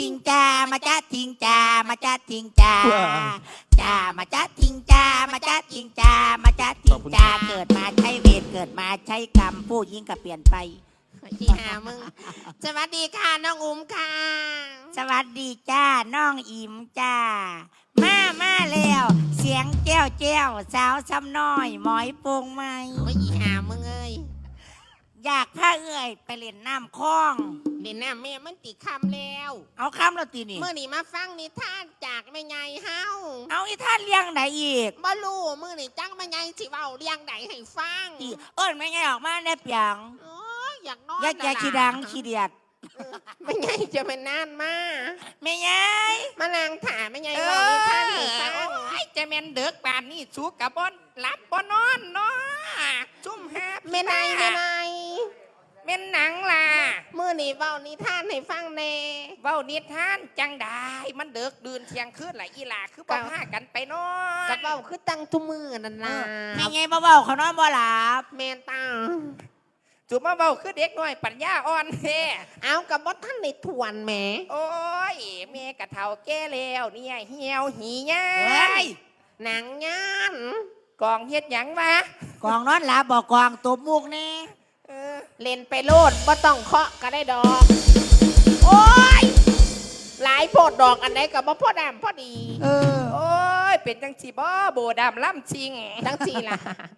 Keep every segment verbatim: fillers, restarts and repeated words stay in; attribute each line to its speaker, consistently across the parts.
Speaker 1: ทิงจ้ามาจ้าทิงจ้ามาจ้าทิงจ้าจ้ามาจ้าทิงจ้ามาจ้าทิงจ้ามาจ้าทิงจ้าเกิดมาใช้เวรเกิดมาใช้กรรมผู้ยิ่งก็เปลี่ยนไป
Speaker 2: อีหามึงสวัสดีค่ะน้องอุ้มค่ะ
Speaker 1: สวัสดีจ้าน้องอิมจ้ามามาแล้วเสียงแจ้วแจ้วสาวซ้ำน้อยหมอยโป่งไหม
Speaker 2: โอ้ยอีหามึงเอ้ย
Speaker 1: อยากพาเอ้ยไปเล่นน้ำคลอง
Speaker 2: เล่นน้ำแม่มันติคำแล้ว
Speaker 1: เอาคำเราตีนี่
Speaker 2: เมื่อนี่มาฟังนิทานจากแม่ไงเฮา
Speaker 1: เอาอีท่านเลี้ยงไหนอีก
Speaker 2: บ่รู้มื่อนี่จังแม่ไงสิเว้าเลี้ยงไหนให้ฟัง
Speaker 1: เอิ้นแม่ไงออกมาได้เปียง
Speaker 2: โอ้ยอยากนอน
Speaker 1: อยากแกขี้ดังขี้เดียด
Speaker 2: แม่ไงจะเป็นนานมา
Speaker 1: แม่ไง
Speaker 2: มานางถามแม่ไงเว้านิทานให้ฟัง
Speaker 1: จะแม่นเด็กป่านนี้สูกับบอนหลับบ่นอนเนาะซุ่มแฮบ
Speaker 2: แม่ไงแม่ไง
Speaker 1: แม่นหนังล่ะ
Speaker 2: มื่อนี่เว้านิทานให้ฟังแน่
Speaker 1: เว้านิทานจังได้มันเด็กดื่นเที่ยงคืนหลายอีหล่าคือบ่พากันไปนอน
Speaker 2: กับเว้าคือตั้งทุมือนั่นล่ะ
Speaker 1: แม่ไงบ่เว้าเขานอนบ่หลับ
Speaker 2: แม่นตา
Speaker 1: จุมาเว้าคือเด็กน้อยปัญญาอ่อนแท้
Speaker 2: เอากับบ่ทันได้ทวนแหม
Speaker 1: โอ้ยแม่กะเฒ่าแก่แล้วเนี่ยเหี่ยวหีหยัง
Speaker 2: หนังงาน
Speaker 1: กองเฮ็ดหยังวะ
Speaker 3: กองนอนหลับบ่กองตบมุกแน่
Speaker 2: เล่นไปโลดบ่ต้องเคาะก็ได้ดอกโอ้ยหลายโพดดอกอันไหนกับบ่พอดำพอดี
Speaker 1: เออโอ้ยเป็นจังสีบ่โบดำล่ำชิง
Speaker 2: จังสีล่ะ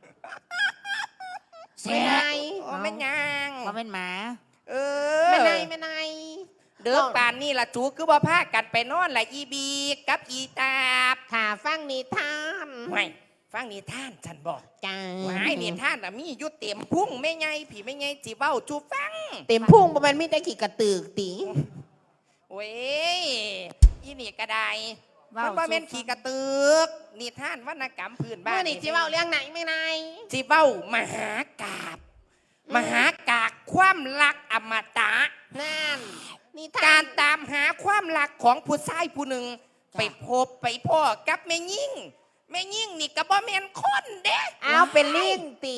Speaker 2: ไม่ไง
Speaker 1: โอ้ไม่ยัง
Speaker 3: ว่าเป็นหมา
Speaker 1: เอ
Speaker 2: อไม่ไงไม่ไง
Speaker 1: เด้อป่านนี่ล่ะจูคือบ่พากันไปนอนล่ะอีบีกับอีตาบ
Speaker 2: ถ้าฟังนิทาน
Speaker 1: ไม่ฟังนิทานฉันบอก
Speaker 2: จ้า
Speaker 1: ว้ายนิทานน่ะมีอยู่เต็มพุ่งไม่ไงผีไม่ไงจีเบ้าจูฟัง
Speaker 2: เต็มพุ่งบ่แม่นมีแต่ขี้กระตือกติ
Speaker 1: โอ้ยอีนี่กระไดมันบ่แม่นขี้กระตือกนิทานวรรณกรรมพื้นบ้าน
Speaker 2: เมื่อนี่จีเบ้าเรื่องไหนไม่ไง
Speaker 1: จีเบ้ามหากาบมหากาบความรักอมตะ
Speaker 2: นั่น
Speaker 1: นี่การตามหาความรักของผู้ชายผู้หนึ่งไปพบไปพ่อกับแม่ยิ่งแม่ยิ่งนี่ก็บ่แม่นคนเด้
Speaker 2: เอาเป็นลิงตี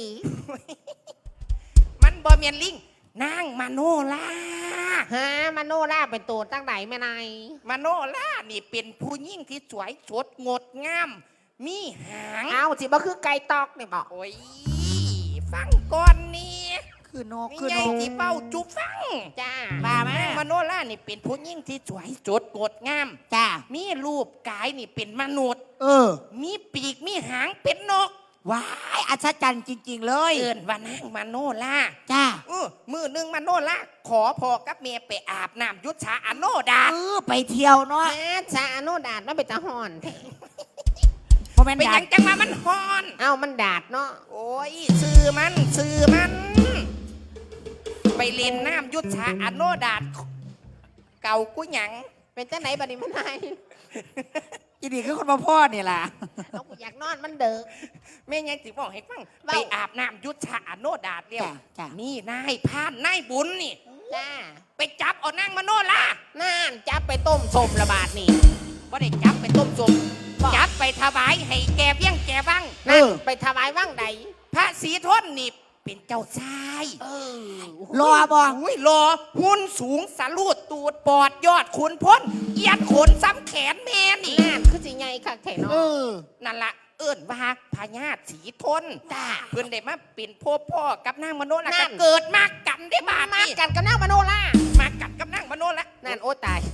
Speaker 1: มันบ่แม่นลิงนางมโนลา
Speaker 2: ฮะมโนลาเป็นตัวตั้งไหนแม่นาย
Speaker 1: มโนลานี่เป็นผู้หญิงที่สวยสดงดงามมีหาง
Speaker 2: เอาสิบ่คือไก่ตอกนี่บอก
Speaker 1: โอ้ยฟังก่อนนี่
Speaker 3: คือนก
Speaker 1: คือนกที่เป้าจุฟัง
Speaker 2: จ้า
Speaker 1: มาแม่มโนลานี่เป็นผู้หญิงที่สวยสดงดงาม
Speaker 3: จ้า
Speaker 1: มีรูปกายนี่เป็นมนุษย์
Speaker 3: เออ
Speaker 1: มีปีกมีหางเป็นนก
Speaker 3: ว้ายอัศจรรย์จริงๆเลย
Speaker 1: เอิ้นว่านางมโนลา
Speaker 3: จ้า
Speaker 1: เออมือหนึ่งมโนลาขอพ่อกับเมียไปอาบน้ำยุทธาอโนดา
Speaker 3: เออไปเที่ยวเนาะ
Speaker 2: แม่ชาอโนดามันเป็นตะหอน
Speaker 1: ไปยังจังมามันฮอน
Speaker 2: เอ้ามันดาดเนาะ
Speaker 1: โอ้ยซื้อมันซื้อมันไปเล่นน้ำยุทธาอโนดาเก่ากุ้ยหยัง
Speaker 2: เป็นจังไหนบัดนี้มันไง
Speaker 3: อีนี่คือคนมาพ่อนี่ล่ะ
Speaker 2: เอาอยากนอนมันเด้อ
Speaker 1: แม่ยังสิบอกให้ฟังไปอาบน้ำยุทธาอโนดาเรียวนี่นายพานนายบุญนี่
Speaker 2: จ้า
Speaker 1: ไปจับเอานางมโนลา
Speaker 2: นั่นจับไปต้มสมระบาดนี่
Speaker 1: บ่ได้จับไปต้มสมจับไปถวายให้แกเบี้ยงแกบ้าง
Speaker 2: นั่นไปถวายบ้างใด
Speaker 1: พระศรีทนนี่เป็นเจ้าชาย
Speaker 2: เออ
Speaker 3: รอบ่
Speaker 1: อุ้ยรอหุ่นสูงสลูดตูดปอดยอดขุนพ้นเอียดขนซ้ำแขนแม่นี่
Speaker 2: นั่นคือสิไงค่ะแขนเนาะ
Speaker 1: นั่นละเอิ้นว่าพญาศรีทนจ้าเพื่อนได้มาเป็นพ่อพ่อกับนางมโนลาเกิดมากันได้บ้า
Speaker 2: มากันกับนางมโนลา
Speaker 1: มากัดกับนางมโนลา
Speaker 2: นั่นโอ้ตาย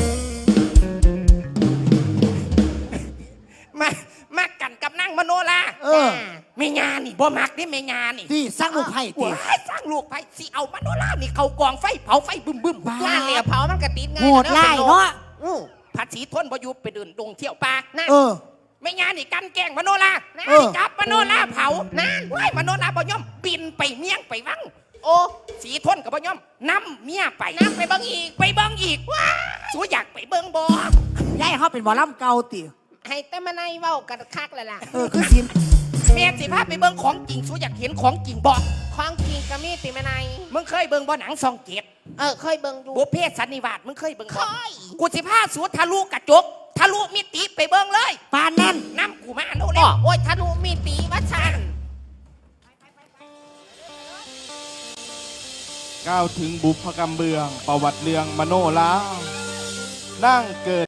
Speaker 1: มามากันกับนางมโนลา
Speaker 3: เออ
Speaker 1: เมียานี่บ่มักนี่เมียานี่
Speaker 3: ที่สร้างลูกไผ่
Speaker 1: ตีสร้างลูกไผ่สิเอามโนลานี่เขากองไฟเผาไฟบึ้มบึ้ม
Speaker 2: บ้านเนี่ยเผามันกระติดไง
Speaker 3: โหดไล่เนาะ
Speaker 1: พระศรีทนบ่อยู่ไปเดินดงเที่ยวป่า
Speaker 3: เออ
Speaker 1: เมียานี่กันแกล้งมโนลาจับมโนลาเผานั่นว้ายมโนลาบ่ยอมบินไปเมียงไปวังโอ้ศรีทนกับบ่ยอมนำเมียไป
Speaker 2: นำไปเบิ่งอีก
Speaker 1: ไปเบิ่งอีกว้าสูอยากไปเบิ่งบ่
Speaker 3: ยายเขาเป็นหมอลำเก่าติ
Speaker 2: ให้แต่มาในเว้ากันคักเลยล่ะ
Speaker 3: เออคือสิ
Speaker 1: แม่สิพาไปเบิ่งของจริงสูอยากเห็นของจริงบ่
Speaker 2: ของจริงก็มีติมาใน
Speaker 1: มึงเคยเบิ่งบ่หนังซองเกต
Speaker 2: เออเคยเบิ่งดู
Speaker 1: บุพเพสันนิวาสมึงเคยเบิ่งบ่
Speaker 2: เคย
Speaker 1: กูสิพาสูทะลุกระจกทะลุมิติไปเบิ่งเลย
Speaker 3: ปานนั้น
Speaker 1: น้ำกูมาเร็ว
Speaker 2: ๆโอ้ยทะลุมิติวัชัน
Speaker 4: ก้าวถึงบุพกรรมเบืองประวัติเรื่องมโนลานั่งเกิด